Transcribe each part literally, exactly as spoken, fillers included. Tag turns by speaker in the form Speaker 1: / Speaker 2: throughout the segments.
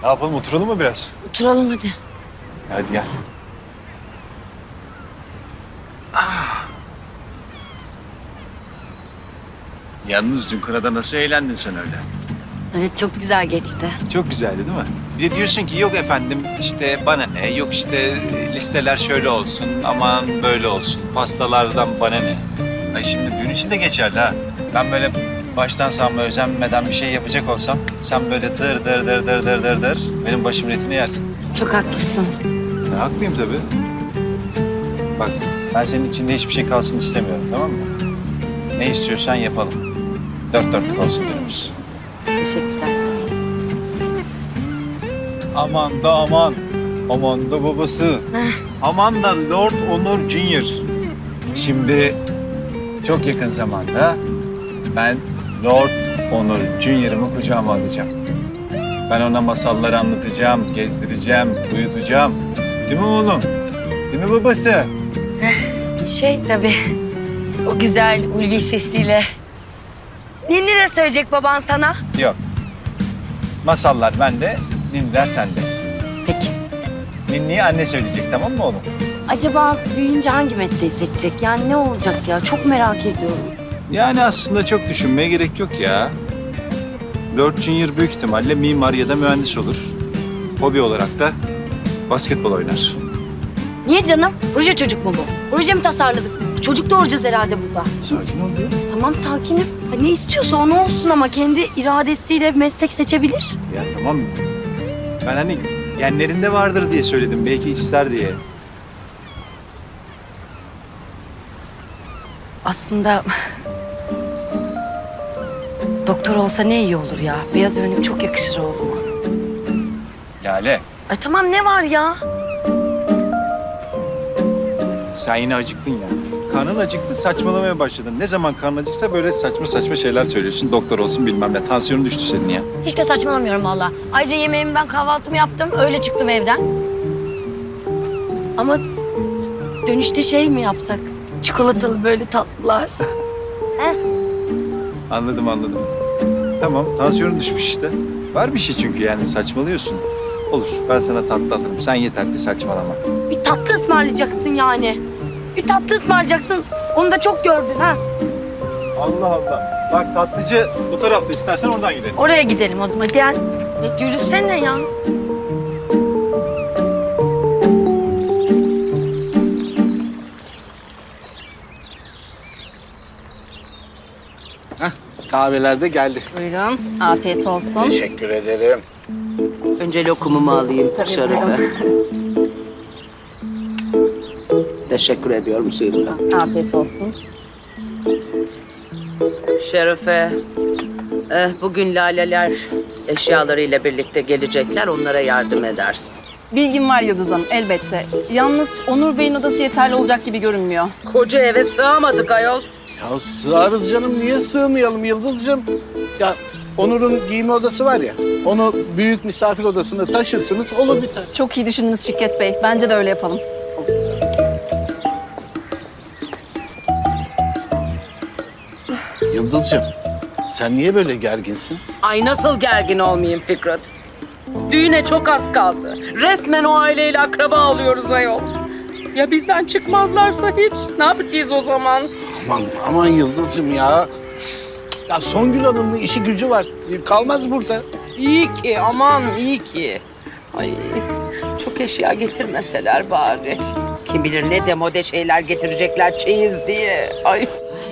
Speaker 1: Ne yapalım, oturalım mı biraz?
Speaker 2: Oturalım hadi.
Speaker 1: Hadi gel. Ah. Yalnız dün kırada nasıl eğlendin sen öyle?
Speaker 2: Evet çok güzel geçti.
Speaker 1: Çok güzeldi değil mi? Bir de diyorsun ki yok efendim işte bana ne, yok işte listeler şöyle olsun, aman böyle olsun, pastalardan bana ne. Ay şimdi düğün için de geçerli ha. Ben böyle baştan sağma özenmeden bir şey yapacak olsam sen böyle dır dır dır dır dır dır dır benim başımın etini yersin.
Speaker 2: Çok haklısın.
Speaker 1: Ya, haklıyım tabii. Bak ben senin içinde hiçbir şey kalsın istemiyorum, tamam mı? Ne istiyorsan yapalım. Dört dörtlük olsun diyoruz.
Speaker 2: Teşekkürler.
Speaker 1: Aman da aman. Aman da babası. Aman da Lord Onur Junior Şimdi çok yakın zamanda ben Lord Onur Junior'ımı kucağıma alacağım. Ben ona masalları anlatacağım, gezdireceğim, uyutacağım. Değil mi oğlum? Değil mi babası?
Speaker 2: Şey tabii, o güzel ulvi sesiyle. Ninni de söyleyecek baban sana.
Speaker 1: Yok. Masallar bende, ninniler sende.
Speaker 2: Peki.
Speaker 1: Ninniyi anne söyleyecek, tamam mı oğlum?
Speaker 2: Acaba büyüyünce hangi mesleği seçecek? Yani ne olacak ya? Çok merak ediyorum.
Speaker 1: Yani aslında çok düşünmeye gerek yok ya. Lord Junior büyük ihtimalle mimar ya da mühendis olur. Hobi olarak da basketbol oynar.
Speaker 2: Niye canım? Proje çocuk mu bu? Proje mi tasarladık biz? Çocuk doğuracağız herhalde burada.
Speaker 1: Sakin ol ya.
Speaker 2: Tamam sakinim. Ha, ne istiyorsa onu olsun ama kendi iradesiyle meslek seçebilir.
Speaker 1: Ya tamam. Ben hani genlerinde vardır diye söyledim. Belki ister diye.
Speaker 2: Aslında doktor olsa ne iyi olur ya. Beyaz önlük çok yakışır oğluma.
Speaker 1: Lale,
Speaker 2: Ay tamam ne var ya?
Speaker 1: sen yine acıktın ya. Karnın acıktı, saçmalamaya başladın. Ne zaman karnın acıksa böyle saçma saçma şeyler söylüyorsun. Doktor olsun bilmem ne. Tansiyonun düştü senin ya.
Speaker 2: Hiç de saçmalamıyorum valla. Ayrıca yemeğimi ben kahvaltımı yaptım. Öyle çıktım evden. Ama dönüşte şey mi yapsak? Çikolatalı böyle tatlılar.
Speaker 1: Anladım, anladım. Tamam, tansiyonun düşmüş işte. Var bir şey çünkü yani saçmalıyorsun. Olur, ben sana tatlı alırım. Sen yeter ki saçmalama.
Speaker 2: Bir tatlı ısmarlayacaksın yani. Bir tatlı ısmarlayacaksın. Onu da çok gördün ha.
Speaker 1: Allah Allah. Bak tatlıcı bu tarafta, istersen oradan gidelim.
Speaker 2: Oraya gidelim o zaman. Gel. Ya, yürüsene ya.
Speaker 3: Kahveler de geldi.
Speaker 2: Buyurun. Afiyet olsun.
Speaker 3: Teşekkür ederim.
Speaker 4: Önce lokumumu alayım Şerife. Teşekkür ediyorum suyumla.
Speaker 2: Afiyet olsun.
Speaker 4: Şerife, eh, bugün laleler eşyalarıyla birlikte gelecekler. Onlara yardım edersin.
Speaker 5: Bilgim var Yıldız Hanım, elbette. Yalnız Onur Bey'in odası yeterli olacak gibi görünmüyor.
Speaker 4: Koca eve sığamadık ayol.
Speaker 3: Ya sığarız canım. Niye sığmayalım Yıldız'cığım? Ya Onur'un giyinme odası var ya. Onu büyük misafir odasına taşırsınız. Olur biter.
Speaker 5: Çok iyi düşündünüz Fikret Bey. Bence de öyle yapalım.
Speaker 3: Yıldız'cığım sen niye böyle gerginsin?
Speaker 4: Ay nasıl gergin olmayayım Fikret? Düğüne çok az kaldı. Resmen o aileyle akraba oluyoruz ayol. Ya bizden çıkmazlarsa hiç? Ne yapacağız o zaman?
Speaker 3: Aman aman Yıldız'cığım ya. Ya Songül Hanım'ın işi gücü var. Kalmaz burada.
Speaker 4: İyi ki, aman iyi ki. Ay çok eşya getirmeseler bari. Kim bilir ne demode şeyler getirecekler çeyiz diye. Ay.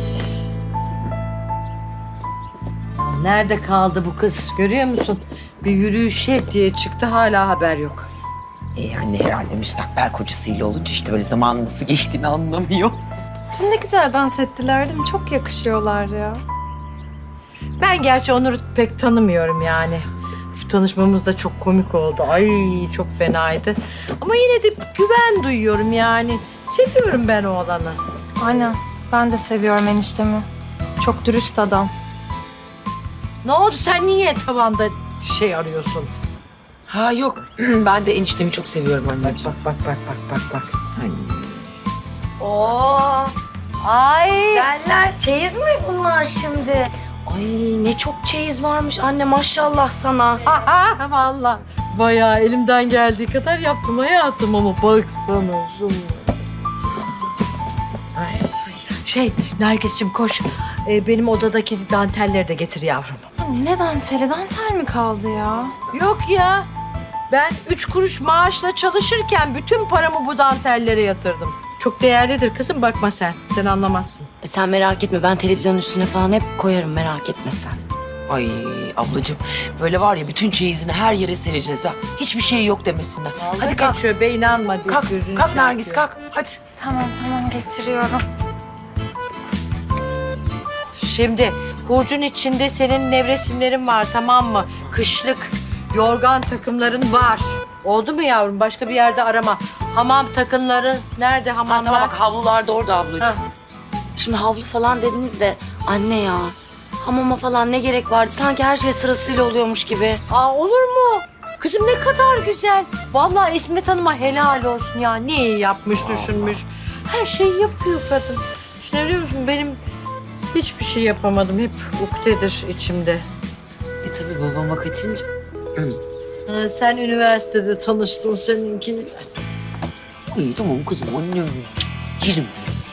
Speaker 6: Nerede kaldı bu kız? Görüyor musun? Bir yürüyüşe diye çıktı, hala haber yok.
Speaker 7: E yani herhalde müstakbel kocasıyla olunca işte böyle zamanın nasıl geçtiğini anlamıyor.
Speaker 8: Dün ne güzel dans ettiler değil mi? Çok yakışıyorlar ya.
Speaker 6: Ben gerçi Onur'u pek tanımıyorum yani. Şu tanışmamız da çok komik oldu. Ay çok fenaydı. Ama yine de güven duyuyorum yani. Seviyorum ben oğlanı.
Speaker 8: Aynen. Ben de seviyorum eniştemi. Çok dürüst adam.
Speaker 6: Ne oldu, sen niye tavanda şey arıyorsun?
Speaker 7: Ha yok ben de eniştemi çok seviyorum
Speaker 6: Bak
Speaker 7: anneciğim.
Speaker 6: bak bak bak bak bak bak.
Speaker 7: Ay.
Speaker 2: Oo. Ay. Derler çeyiz mi bunlar şimdi? Ay ne çok çeyiz varmış anne, maşallah sana.
Speaker 6: Aha vallahi Bayağı elimden geldiği kadar yaptım hayatım ama baksana şunu. Ay, şey Nergis'cim koş. Ee, benim odadaki dantelleri de getir yavrum.
Speaker 8: Anne ne danteli? Dantel mi kaldı ya?
Speaker 6: Yok ya. Ben üç kuruş maaşla çalışırken bütün paramı bu dantellere yatırdım. Çok değerlidir kızım, bakma sen. Sen anlamazsın.
Speaker 2: E sen merak etme, ben televizyonun üstüne falan hep koyarım, merak etme sen.
Speaker 7: Ay ablacığım böyle var ya bütün çeyizini her yere sereceğiz ha. Hiçbir şey yok demesinler. Hadi kalk.
Speaker 6: Geçiyor be, inanma.
Speaker 7: Kalk,
Speaker 6: gözünü
Speaker 7: kalk
Speaker 6: şey
Speaker 7: Nergis
Speaker 6: yapıyor.
Speaker 7: kalk. Hadi.
Speaker 8: Tamam tamam getiriyorum.
Speaker 6: Şimdi hurcun içinde senin nevresimlerin var, tamam mı? Kışlık yorgan takımların var. Oldu mu yavrum? Başka bir yerde arama. Hamam takımları nerede
Speaker 7: Ha,
Speaker 6: hamamlar?
Speaker 7: tamam bak havlular da orada ablacığım.
Speaker 6: Ha.
Speaker 2: Şimdi havlu falan dediniz de anne ya, hamama falan ne gerek vardı? Sanki her şey sırasıyla oluyormuş gibi.
Speaker 6: Aa, olur mu? Kızım ne kadar güzel. Vallahi İsmet Hanım'a helal olsun ya. Ne iyi yapmış, düşünmüş. Her şeyi yapıyor kadın. Düşünebiliyor musun? Benim hiçbir şey yapamadım. Hep ukdedir içimde.
Speaker 7: E tabii babama kaçınca.
Speaker 6: Ha, sen üniversitede tanıştın seninki.
Speaker 7: İyi tamam kızım annem. Yerim biz.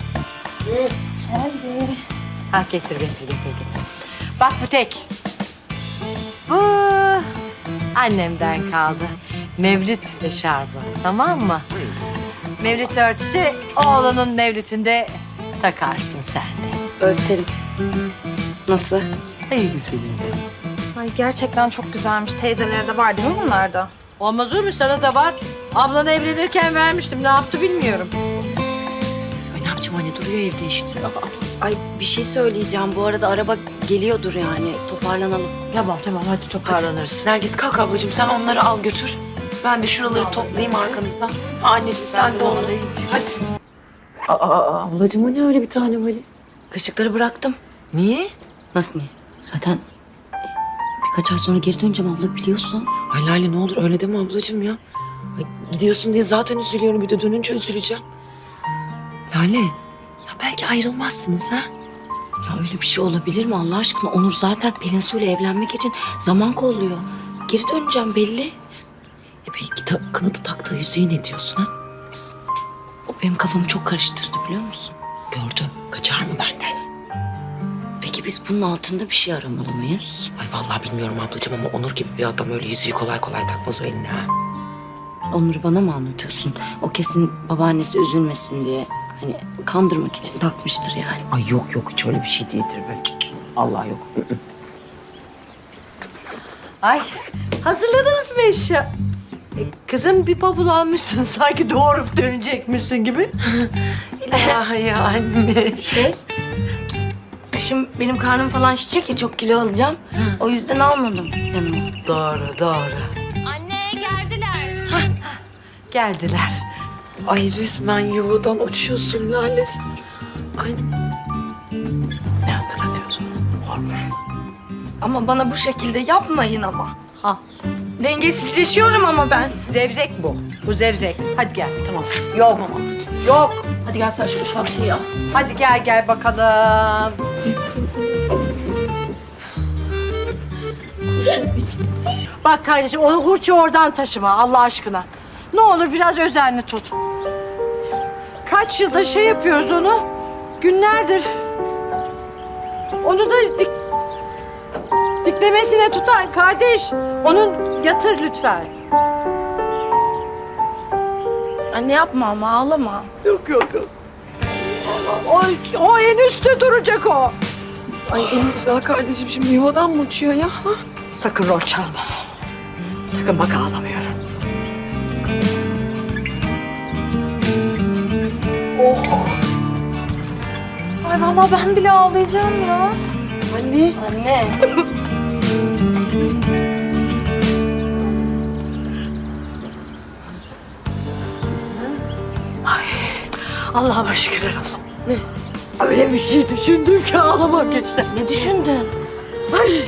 Speaker 6: Ha getir, getir, getir, getir. Bak bu tek. Bu annemden kaldı. Mevlüt eşarbı, tamam mı? Mevlüt örtüsü oğlunun mevlütünde takarsın sen de.
Speaker 2: Ölçerim. Nasıl?
Speaker 6: Ay güzelim.
Speaker 8: Ay gerçekten çok güzelmiş. Teyzelere de var değil mi bunlarda?
Speaker 6: Olmaz olur mu? Sana da var. Ablan evlenirken vermiştim. Ne yaptı bilmiyorum.
Speaker 7: Ay ne yapacağım anne duruyor evde işte.
Speaker 2: Ay bir şey söyleyeceğim, bu arada araba geliyordur yani, toparlanalım.
Speaker 6: Tamam tamam, hadi toparlanırız.
Speaker 7: Nergis kalk ablacığım sen onları al götür. Ben de şuraları toplayayım arkanızdan. Anneciğim sen de onu. Hadi. Aa, aa, ablacığım o ne öyle bir tane valiz?
Speaker 2: Kaşıkları bıraktım.
Speaker 7: Niye?
Speaker 2: Nasıl niye? Zaten e, birkaç ay sonra geri döneceğim abla, biliyorsun.
Speaker 7: Ay Lale ne olur öyle deme ablacığım ya. Ay, gidiyorsun diye zaten üzülüyorum bir de dönünce üzüleceğim. Lale ya belki ayrılmazsınız ha.
Speaker 2: Ya öyle bir şey olabilir mi Allah aşkına? Onur zaten Pelin Su'yla evlenmek için zaman kolluyor. Geri döneceğim belli.
Speaker 7: E belki ta, kanadı taktığı yüzüğü ne diyorsun ha?
Speaker 2: O benim kafamı çok karıştırdı, biliyor musun?
Speaker 7: Gördüm. Kaçar mı benden?
Speaker 2: Peki biz bunun altında bir şey aramalı mıyız?
Speaker 7: Ay vallahi bilmiyorum ablacığım ama Onur gibi bir adam öyle yüzüğü kolay kolay takmaz o eline ha.
Speaker 2: Onur'u bana mı anlatıyorsun? O kesin babaannesi üzülmesin diye, hani kandırmak için takmıştır yani.
Speaker 7: Ay yok yok hiç öyle bir şey değildir be. Allah yok.
Speaker 6: Ay, hazırladınız mı eşya? E, kızım bir bavul almışsın. Sanki doğurup dönecekmişsin gibi.
Speaker 7: İlahi anne.
Speaker 2: Şey, şimdi benim karnım falan şişecek ya, çok kilo alacağım. O yüzden almadım yanıma.
Speaker 6: Doğru, doğru.
Speaker 8: Anne geldiler.
Speaker 6: Geldiler.
Speaker 7: Ay resmen yuvadan uçuyorsun Lale sen. Ay. Ne hatırlatıyorsun?
Speaker 2: Ama bana bu şekilde yapmayın ama.
Speaker 6: Ha.
Speaker 2: Dengesizleşiyorum ama ben.
Speaker 6: Zevzek bu. Bu zevzek. Hadi gel.
Speaker 7: Tamam.
Speaker 6: Yok. Yok.
Speaker 7: Hadi gel sen şu ufak şeyi al.
Speaker 6: Hadi gel gel bakalım. Bak kardeşim, onu hurçu oradan taşıma Allah aşkına. Ne olur biraz özenli tut. Kaç yılda şey yapıyoruz onu. Günlerdir. Onu da dik, diklemesine tutar kardeş. Onun yatır lütfen.
Speaker 8: Anne yapma ama ağlama.
Speaker 6: Yok yok yok. O, o en üstte duracak o.
Speaker 7: Ay en güzel kardeşim şimdi yuvadan mı uçuyor ya?
Speaker 6: Sakın rol çalma. Sakın bak ağlamıyorum.
Speaker 8: Ay vallahi ben bile ağlayacağım ya.
Speaker 2: Anne. Anne.
Speaker 6: Allah'ıma şükürler olsun. Ne? Öyle bir şey düşündüm ki ağlamak geçti.
Speaker 2: Ne düşündün?
Speaker 6: Ay,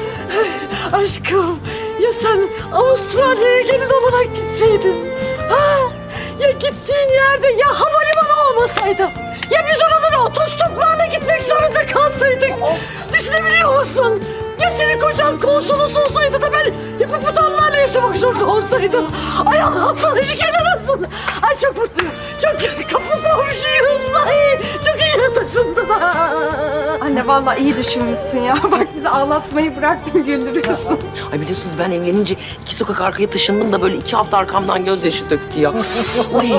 Speaker 6: aşkım ya sen Avustralya'ya gelin olarak gitseydin. Ha, ya gittiğin yerde ya havalimanı olmasaydı. Ya biz oralara otostoplarla gitmek zorunda kalsaydık. Düşünebiliyor musun? Ya senin kocan konsolos olsaydı da ben hipopotamlarla yaşamak zorunda duydum. Ay Allah'ım sana şükürler olsun. Ay çok mutluyum. Çok kapı komşuyuz. Ay çok iyi taşındın.
Speaker 8: Anne vallahi iyi düşünmüşsün ya. Bak bizi ağlatmayı bıraktın güldürüyorsun.
Speaker 4: Ay biliyorsunuz ben evlenince iki sokak arkaya taşındım da böyle iki hafta arkamdan gözyaşı döktü ya. Ay.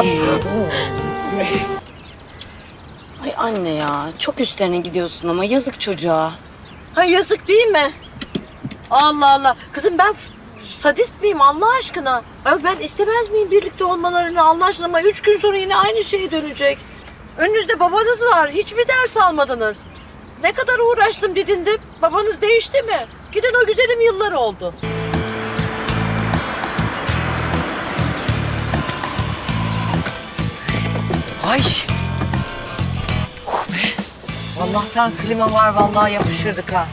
Speaker 2: Ay anne ya çok üstlerine gidiyorsun ama yazık çocuğa.
Speaker 6: Ha yazık değil mi? Allah Allah. Kızım ben f- sadist miyim Allah aşkına? Ay ben istemez miyim birlikte olmalarını Allah aşkına ama üç gün sonra yine aynı şeye dönecek. Önünüzde babanız var. Hiç mi ders almadınız? Ne kadar uğraştım didindim. Babanız değişti mi? Giden o güzelim yıllar oldu. Ay. Oh be. Allah'tan klima var vallahi yapışırdık ha.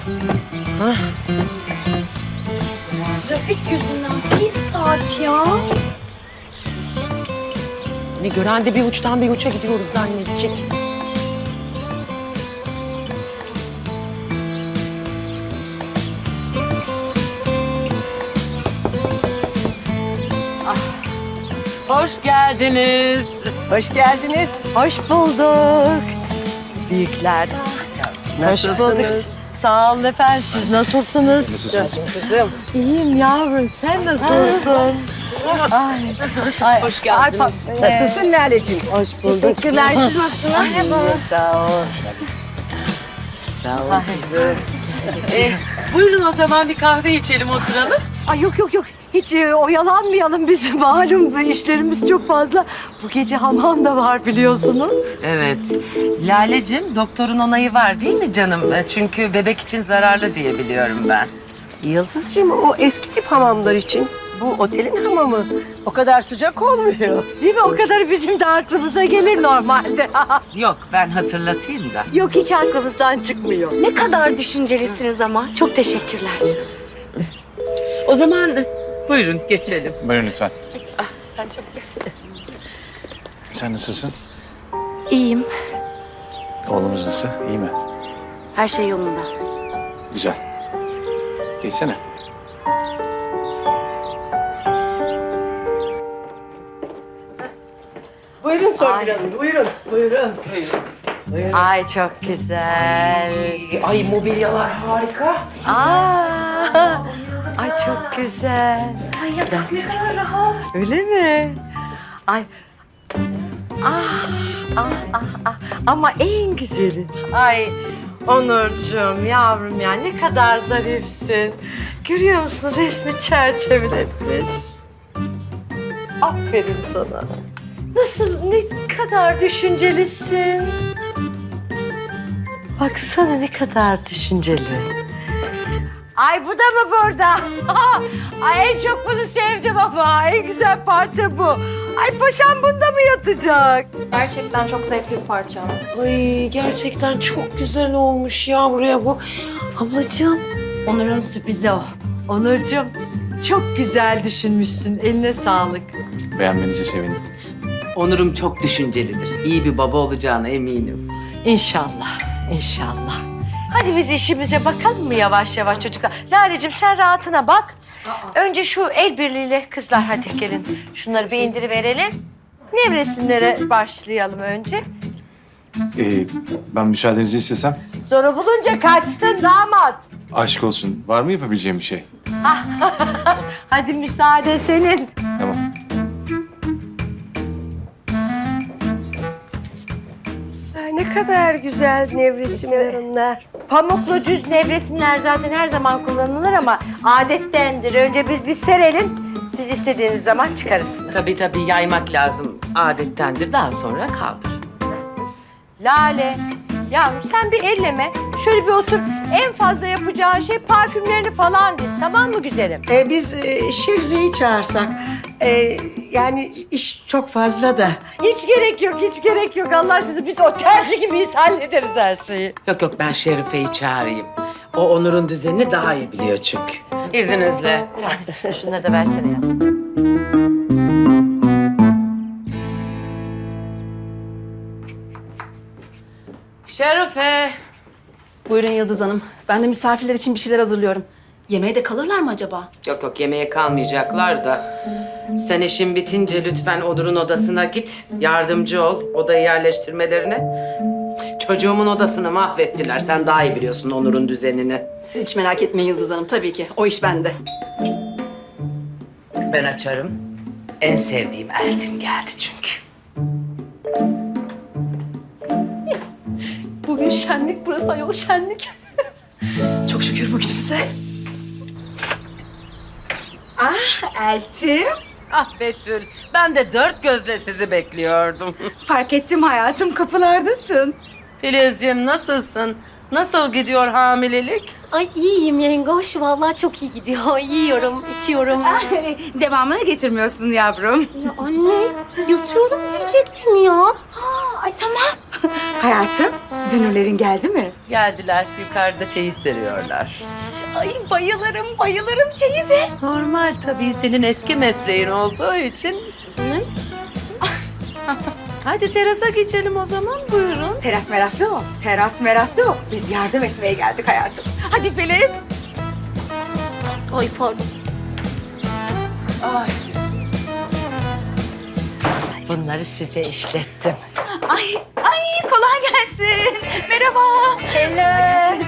Speaker 2: Trafik yüzünden bir saat ya.
Speaker 4: Ne gören de bir uçtan bir uça gidiyoruz zannedecek.
Speaker 6: Hoş geldiniz. Hoş geldiniz. Hoş bulduk. Büyükler. Hoş bulduk. Sağ olun efendim. Siz nasılsınız?
Speaker 1: Nasılsınız?
Speaker 6: Kızım. İyiyim yavrum. Sen nasılsın? Ay, ay, Hoş geldiniz. Nasılsın Lale'ciğim? Hoş bulduk.
Speaker 8: Teşekkürler. Siz nasılsınız? Merhaba.
Speaker 6: Sağ ol. Sağ ol kızım.
Speaker 4: Eh, buyurun o zaman bir kahve içelim oturalım.
Speaker 6: Ay yok yok yok. Hiç e, oyalanmayalım biz. Malum bu işlerimiz çok fazla. Bu gece hamam da var biliyorsunuz.
Speaker 9: Evet. Lalecim, doktorun onayı var değil mi canım? E, Çünkü bebek için zararlı diye biliyorum ben.
Speaker 10: Yıldızcığım o eski tip hamamlar için. Bu otelin hamamı. O kadar sıcak olmuyor.
Speaker 6: Değil mi? O kadar bizim de aklımıza gelir normalde.
Speaker 9: Yok, ben hatırlatayım da.
Speaker 6: Yok hiç aklımızdan çıkmıyor.
Speaker 2: Ne kadar düşüncelisiniz ama. Çok teşekkürler.
Speaker 9: O zaman buyurun geçelim.
Speaker 1: Buyurun lütfen. Sen nasılsın?
Speaker 2: İyiyim.
Speaker 1: Oğlumuz nasıl? İyi mi?
Speaker 2: Her şey yolunda.
Speaker 1: Güzel. Geçsene.
Speaker 10: Buyurun Songül Hanım, buyurun. Buyurun.
Speaker 6: Ay çok güzel.
Speaker 4: Ay mobilyalar harika.
Speaker 6: Aa, ay çok güzel.
Speaker 2: Ay yatak ne kadar rahat.
Speaker 6: Öyle mi? Ay. Ah, ah, ah, ah. Ama en güzeli. Ay Onurcuğum yavrum ya ne kadar zarifsin. Görüyor musun resmi çerçeveletmiş. Aferin sana. Nasıl ne kadar düşüncelisin. Baksana ne kadar düşünceli. Ay bu da mı burada? Ay en çok bunu sevdim ama. En güzel parça bu. Ay paşam bunda mı yatacak?
Speaker 8: Gerçekten çok zevkli bir parça.
Speaker 4: Ay gerçekten çok güzel olmuş ya buraya bu. Ablacığım.
Speaker 2: Onur'un sürprizi o.
Speaker 6: Onurcuğum çok güzel düşünmüşsün. Eline sağlık.
Speaker 1: Beğenmenize sevindim.
Speaker 9: Onur'um çok düşüncelidir. İyi bir baba olacağına eminim.
Speaker 6: İnşallah, inşallah. Hadi biz işimize bakalım mı yavaş yavaş çocuklar? Lalecim sen rahatına bak. Önce şu el birliğiyle kızlar hadi gelin. Şunları bir indiriverelim. Nevresimlere başlayalım önce.
Speaker 1: Ee, ben müsaadenizi istesem.
Speaker 6: Zoru bulunca kaçtın damat.
Speaker 1: Aşk olsun. Var mı yapabileceğim bir şey?
Speaker 6: Hadi müsaade senin.
Speaker 1: Tamam.
Speaker 10: Ay, ne kadar güzel nevresimler onlar.
Speaker 6: Pamuklu düz nevresimler zaten her zaman kullanılır ama adettendir. Önce biz bir serelim. Siz istediğiniz zaman çıkarırsınız.
Speaker 9: Tabii tabii yaymak lazım. Adettendir. Daha sonra kaldır.
Speaker 6: Lale, yavrum sen bir elleme. Şöyle bir otur. En fazla yapacağın şey parfümlerini falan diz. Tamam mı güzelim?
Speaker 10: Ee, biz e, Şerife'yi çağırsak. Ee, yani iş çok fazla da.
Speaker 6: Hiç gerek yok, hiç gerek yok. Allah aşkına biz otelci gibiyiz. Hallederiz her şeyi.
Speaker 9: Yok yok ben Şerife'yi çağırayım. O Onur'un düzenini daha iyi biliyor çünkü. İzninizle.
Speaker 6: Şunları da versene yaz.
Speaker 9: Şerife.
Speaker 5: Buyurun Yıldız Hanım. Ben de misafirler için bir şeyler hazırlıyorum.
Speaker 7: Yemeğe de kalırlar mı acaba?
Speaker 9: Yok yok, yemeğe kalmayacaklar da. Sen işin bitince lütfen Onur'un odasına git. Yardımcı ol odayı yerleştirmelerine. Çocuğumun odasını mahvettiler. Sen daha iyi biliyorsun Onur'un düzenini.
Speaker 7: Siz hiç merak etmeyin Yıldız Hanım. Tabii ki. O iş bende.
Speaker 9: Ben açarım. En sevdiğim eltim geldi çünkü.
Speaker 7: Bugün şenlik burası ayol şenlik. Çok şükür bugünümüze. Ah Eltim.
Speaker 9: Ah Betül, ben de dört gözle sizi bekliyordum.
Speaker 7: Fark ettim hayatım kapılardasın.
Speaker 9: Filizciğim nasılsın? Nasıl gidiyor hamilelik?
Speaker 11: Ay iyiyim yengoş. Vallahi çok iyi gidiyor. Yiyorum, içiyorum.
Speaker 2: Devamını getirmiyorsun yavrum.
Speaker 11: Ya anne, yatıyorum diyecektim ya.
Speaker 2: Ay tamam. Hayatım, dünürlerin geldi mi?
Speaker 9: Geldiler, yukarıda çeyiz seriyorlar.
Speaker 2: Ay bayılırım, bayılırım çeyize.
Speaker 9: Normal tabii, senin eski mesleğin olduğu için. Hadi terasa geçelim o zaman, buyurun.
Speaker 2: Teras meras yok, teras meras yok. Biz yardım etmeye geldik hayatım. Hadi Filiz.
Speaker 11: Ay pardon.
Speaker 2: Ay,
Speaker 6: Bunları size işlettim.
Speaker 2: ay, ay kolay gelsin. Merhaba.
Speaker 11: Hello.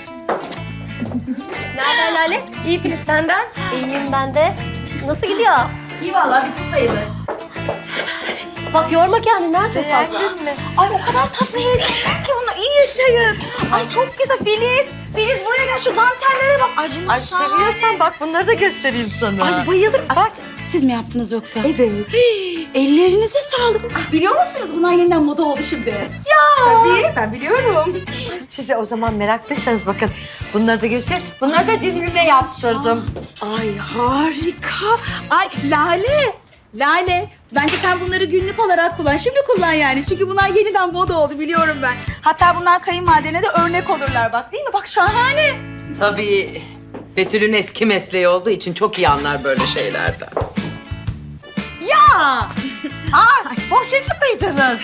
Speaker 11: Nereden Lale? İyi Filiz senden. İyiyim ben de. Nasıl gidiyor?
Speaker 2: İyi vallahi bitti sayılır.
Speaker 11: Bak yorma kendini ha çok fazla.
Speaker 2: Ay o kadar tatlı hediye ki bunlar iyi yaşayın. Ay çok güzel Filiz. Filiz buraya gel şu dantellere bak. Ay,
Speaker 6: Ay seviyorsan bak bunları da göstereyim sana.
Speaker 2: Ay bayılırım. Bak siz mi yaptınız yoksa? Evet. Ellerinize sağlık. Biliyor musunuz bunlar yeniden moda oldu şimdi. Ya. Tabii ben biliyorum.
Speaker 6: Size o zaman meraklıysanız bakın bunları da göster. Bunları da dünürüme yaptırdım.
Speaker 2: Ay harika. Ay Lale. Lale. Bence sen bunları günlük olarak kullan. Şimdi kullan yani. Çünkü bunlar yeniden moda oldu biliyorum ben. Hatta bunlar kayınvalidene de örnek olurlar bak değil mi? Bak şahane.
Speaker 9: Tabii Betül'ün eski mesleği olduğu için çok iyi anlar böyle şeylerden.
Speaker 2: Ya. Ay bohçacı mıydınız?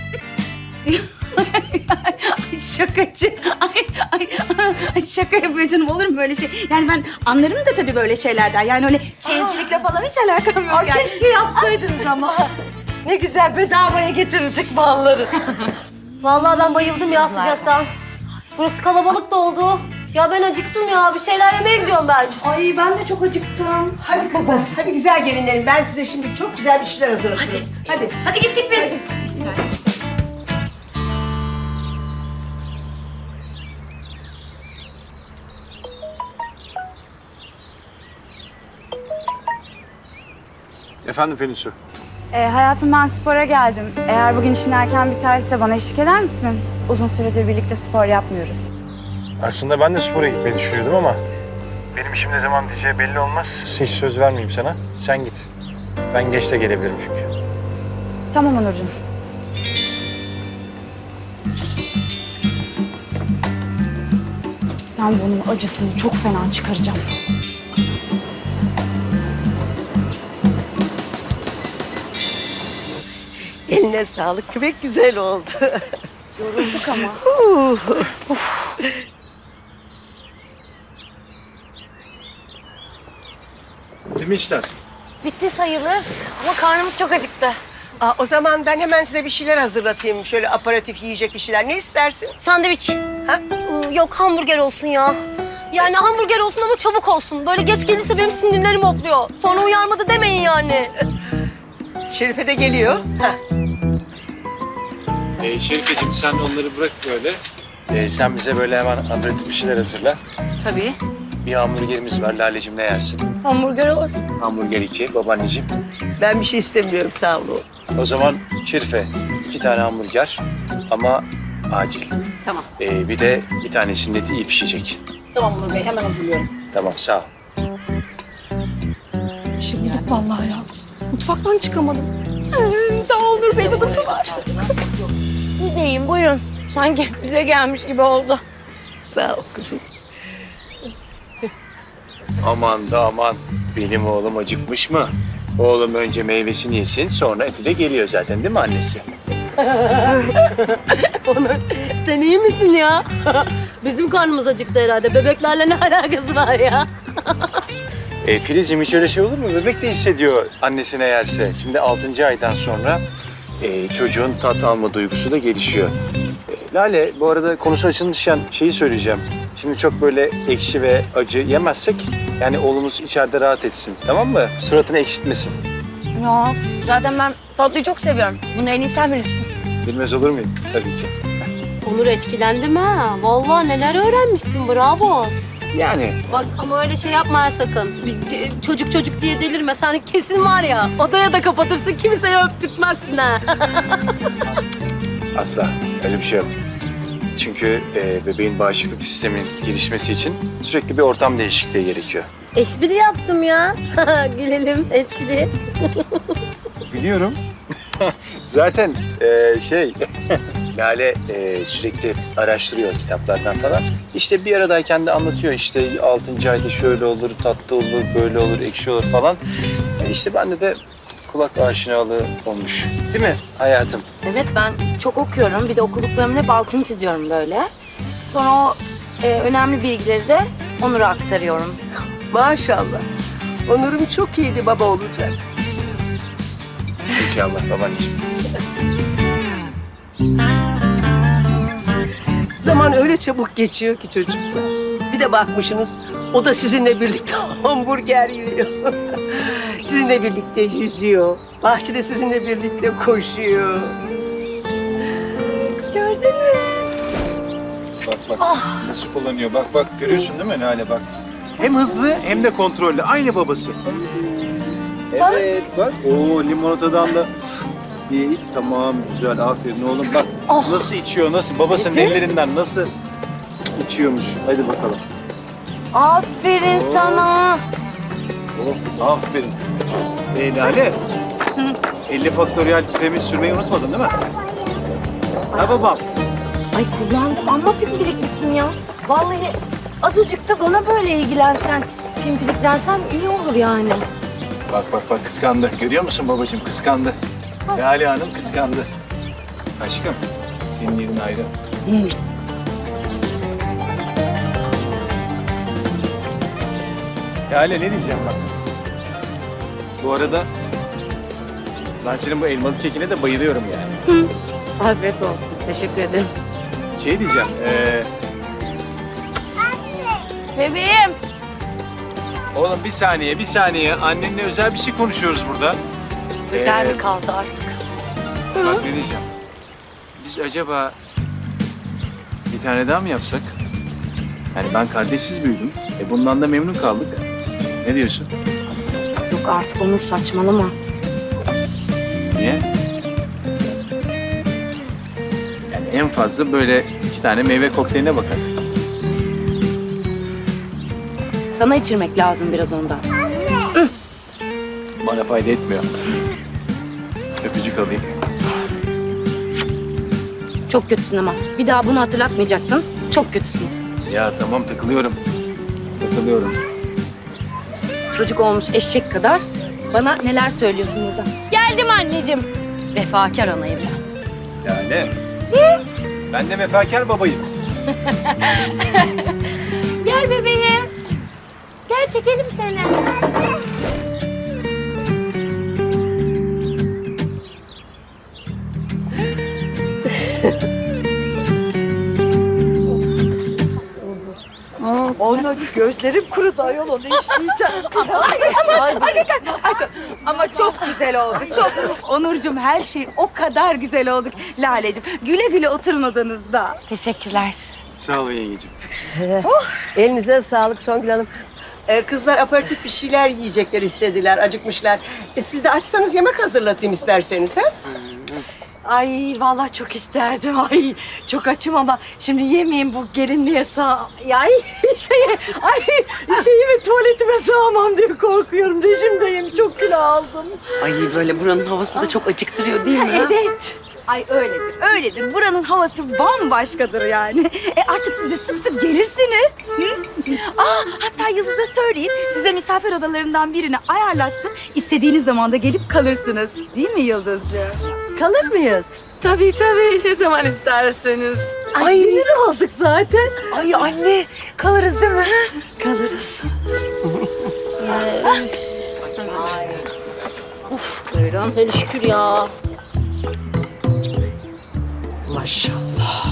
Speaker 2: Ay şakacı. Ay, ay, ay şaka yapıyor canım olur mu böyle şey? Yani ben anlarım da tabii böyle şeylerden. Yani öyle çeyizcilikle falan hiç alakam yok
Speaker 6: Ay
Speaker 2: yani.
Speaker 6: keşke yapsaydınız ama. Ne güzel bedavaya getirirdik malları.
Speaker 11: Vallahi ben bayıldım ya sıcaktan. Burası kalabalık da oldu. Ya ben acıktım ya. Bir şeyler yemeye gidiyorum ben.
Speaker 2: Ay ben de çok acıktım.
Speaker 10: Hadi kızlar, hadi güzel gelinlerim. Ben size şimdi çok güzel bir şeyler hazırlatıyorum. Hadi. Hadi.
Speaker 2: Hadi gittik biz.
Speaker 1: Efendim Pelinsu.
Speaker 5: Ee, hayatım ben spora geldim. Eğer bugün işin erken biterse bana eşlik eder misin? Uzun süredir birlikte spor yapmıyoruz.
Speaker 12: Aslında ben de spora gitmeyi düşünüyordum ama benim işim ne zaman diyeceği belli olmaz. Hiç söz vermeyeyim sana. Sen git. Ben geç de gelebilirim çünkü.
Speaker 5: Tamam Onurcuğum. Ben bunun acısını çok fena çıkaracağım.
Speaker 10: Eline sağlık. Pek güzel oldu.
Speaker 5: Yorulduk ama.
Speaker 1: Değil mi işler?
Speaker 11: Bitti sayılır ama karnımız çok acıktı.
Speaker 10: Aa, o zaman ben hemen size bir şeyler hazırlatayım. Şöyle aparatif yiyecek bir şeyler. Ne istersin?
Speaker 11: Sandviç.
Speaker 10: Ha?
Speaker 11: Ee, Yok hamburger olsun ya. Yani hamburger olsun ama çabuk olsun. Böyle geç gelirse benim sinirlerim hopluyor. Sonra uyarmadı demeyin yani.
Speaker 10: Şerife de geliyor. Ha.
Speaker 1: Ee, Şerifeciğim sen onları bırak böyle.
Speaker 12: Ee, sen bize böyle hemen aperatif bir şeyler hazırla.
Speaker 2: Tabii.
Speaker 12: Bir hamburgerimiz var. Laleciğim ne yersin?
Speaker 11: Hamburger olur.
Speaker 12: Hamburger iki, babaanneciğim.
Speaker 10: Ben bir şey istemiyorum sağ olun.
Speaker 12: O zaman Şerife iki tane hamburger ama acil.
Speaker 2: Tamam.
Speaker 12: Ee, bir de bir tanesinin eti iyi pişecek.
Speaker 2: Tamam Onur Bey hemen hazırlıyorum.
Speaker 12: Tamam sağ ol.
Speaker 7: Şimdi vallahi ya. Mutfaktan çıkamadım.
Speaker 2: Daha Onur Bey'in odası var.
Speaker 11: Gideyim buyurun. Sanki bize gelmiş gibi oldu.
Speaker 10: Sağ ol kızım.
Speaker 12: Aman da aman. Benim oğlum acıkmış mı? Oğlum önce meyvesini yesin sonra eti de geliyor zaten değil mi annesi?
Speaker 11: Onur sen iyi misin ya? Bizim karnımız acıktı herhalde. Bebeklerle ne alakası var ya?
Speaker 12: E, Filizciğim hiç öyle şey olur mu? Bebek de hissediyor annesine yerse. Şimdi altıncı aydan sonra e, çocuğun tat alma duygusu da gelişiyor. E, Lale, bu arada konusu açılmışken şeyi söyleyeceğim. Şimdi çok böyle ekşi ve acı yemezsek yani oğlumuz içeride rahat etsin, tamam mı? Suratını ekşitmesin.
Speaker 5: Ya zaten ben tatlıyı çok seviyorum. Bunu en iyi sen bilirsin.
Speaker 12: Bilmez olur muyum? Tabii ki.
Speaker 11: Onur etkilendim ha. Vallahi neler öğrenmişsin, bravo.
Speaker 12: Yani
Speaker 11: Bak ama öyle şey yapma ha sakın. Biz c- çocuk çocuk diye delirme. Sen kesin var ya odaya da kapatırsın, kimseye öptürtmezsin ha.
Speaker 12: asla öyle bir şey yok. Çünkü e, bebeğin bağışıklık sisteminin gelişmesi için sürekli bir ortam değişikliği gerekiyor.
Speaker 11: Espri yaptım ya. Gülelim espri.
Speaker 12: Biliyorum. Zaten e, şey, Lale e, sürekli araştırıyor kitaplardan falan. İşte bir aradayken de anlatıyor işte altıncı ayda şöyle olur, tatlı olur, böyle olur, ekşi olur falan. E, işte bende de kulak aşinalığı olmuş. Değil mi hayatım?
Speaker 5: Evet ben çok okuyorum. Bir de okuduklarımın hep altını çiziyorum böyle. Sonra o e, önemli bilgileri de Onur'a aktarıyorum.
Speaker 10: Maşallah. Onur'um çok iyiydi baba olacak.
Speaker 12: İnşallah babaanneciğim.
Speaker 10: Zaman öyle çabuk geçiyor ki çocuklar. Bir de bakmışsınız o da sizinle birlikte hamburger yiyor. Sizinle birlikte yüzüyor. Bahçede sizinle birlikte koşuyor. Gördün mü?
Speaker 12: Bak bak nasıl kullanıyor. Bak bak görüyorsun değil mi Lale bak. Hem hızlı hem de kontrollü. Aynı babası. Evet bak. Oo limonatadan da iyi. Tamam güzel aferin oğlum bak. Nasıl içiyor nasıl babasının ellerinden nasıl içiyormuş. Hadi bakalım.
Speaker 5: Aferin
Speaker 12: Oo.
Speaker 5: sana.
Speaker 12: Oh, aferin. Ee, Lale. elli faktöriyel kremi sürmeyi unutmadın değil mi? Ha babam.
Speaker 5: Ay kullandım ama pimpiriklisin ya. Vallahi azıcık da bana böyle ilgilensen, pimpiriklensen iyi olur yani.
Speaker 12: Bak bak bak kıskandı. Görüyor musun babacığım kıskandı. Lale Hanım kıskandı. Aşkım senin yerin ayrı. Lale ne diyeceğim bak. Bu arada ben senin bu elmalı kekine de bayılıyorum yani.
Speaker 5: Afiyet olsun. Teşekkür ederim.
Speaker 12: Şey diyeceğim. Ee,
Speaker 5: Bebeğim.
Speaker 12: oğlum bir saniye bir saniye. Annenle özel bir şey konuşuyoruz burada.
Speaker 5: Güzel
Speaker 12: Ee,
Speaker 5: mi kaldı artık?
Speaker 12: Bak ne diyeceğim. Biz acaba bir tane daha mı yapsak? Yani ben kardeşsiz büyüdüm. E bundan da memnun kaldık. Ne diyorsun?
Speaker 5: Yok artık Onur saçmalama.
Speaker 12: Niye? Yani en fazla böyle iki tane meyve kokteyline bakar.
Speaker 5: Sana içirmek lazım biraz ondan.
Speaker 12: Bana fayda etmiyor. Öpücük alayım.
Speaker 5: Çok kötüsün ama. Bir daha bunu hatırlatmayacaktın. Çok kötüsün.
Speaker 12: Ya tamam takılıyorum. Takılıyorum.
Speaker 5: Çocuk olmuş eşek kadar. Bana neler söylüyorsun burada? Geldim anneciğim. Vefakar anayım ben.
Speaker 12: Yani. Ben de vefakar babayım.
Speaker 5: Gel bebeğim. Gel çekelim seni.
Speaker 6: Ona gözlerim kurudu ayol, onu işleyeceğim.
Speaker 2: Ama çok güzel oldu. Çok. Onurcuğum her şey o kadar güzel oldu. Laleciğim güle güle oturun odanızda.
Speaker 5: Teşekkürler.
Speaker 12: Sağ ol yengeciğim.
Speaker 10: Elinize sağlık Songül Hanım. Ee, kızlar aperatif bir şeyler yiyecekler istediler, acıkmışlar. E, siz de açsanız yemek hazırlatayım isterseniz ha?
Speaker 6: Ay vallahi çok isterdim. Ay çok açım ama şimdi yemeyeyim bu gelinliğe sağ... Ay şeye, ay şeyime tuvaletime sığamam diye korkuyorum. Rejimdeyim, çok kilo aldım.
Speaker 4: Ay böyle buranın havası da çok acıktırıyor değil mi?
Speaker 6: Evet.
Speaker 2: Ay öyledir, öyledir. Buranın havası bambaşkadır yani. E artık siz de sık sık gelirsiniz. Hı? Aa, hatta Yıldız'a söyleyeyim, size misafir odalarından birini ayarlatsın. İstediğiniz zaman da gelip kalırsınız. Değil mi Yıldızcığım?
Speaker 6: Kalır mıyız? Tabii tabii, ne zaman isterseniz. Ay, sinir olduk zaten.
Speaker 7: Ay anne kalırız değil mi?
Speaker 6: Kalırız.
Speaker 11: Buyurun. Hele şükür ya.
Speaker 10: Maşallah.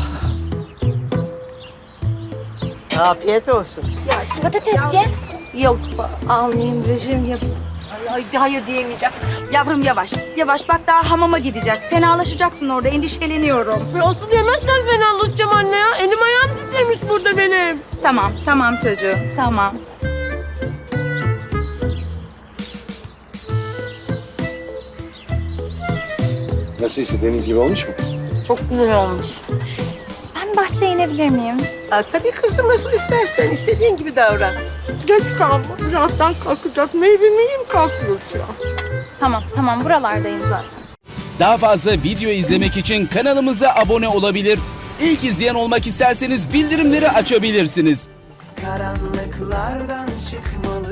Speaker 10: Afiyet olsun.
Speaker 11: Patates ye.
Speaker 2: Yok almayayım rejim yap.
Speaker 11: Ay, hayır diyemeyeceğim.
Speaker 2: Yavrum yavaş. Yavaş bak daha hamama gideceğiz. Fenalaşacaksın orada endişeleniyorum.
Speaker 11: Ya asıl yemezsen fenalaşacağım anne ya. Elim ayağım titremiş burada benim.
Speaker 2: Tamam tamam çocuğum tamam.
Speaker 12: Nasıl istediğiniz gibi olmuş mu?
Speaker 11: Çok güzel olmuş.
Speaker 2: Ben bahçeye inebilir miyim?
Speaker 10: Ha, tabii kızım nasıl istersen istediğin gibi davran.
Speaker 11: Geç kalma. Birazdan kalkacak. Meyve meyim kalkıyor şu an.
Speaker 2: Tamam tamam buralardayım zaten.
Speaker 13: Daha fazla video izlemek için kanalımıza abone olabilir. İlk izleyen olmak isterseniz bildirimleri açabilirsiniz.
Speaker 14: Karanlıklardan çıkmalı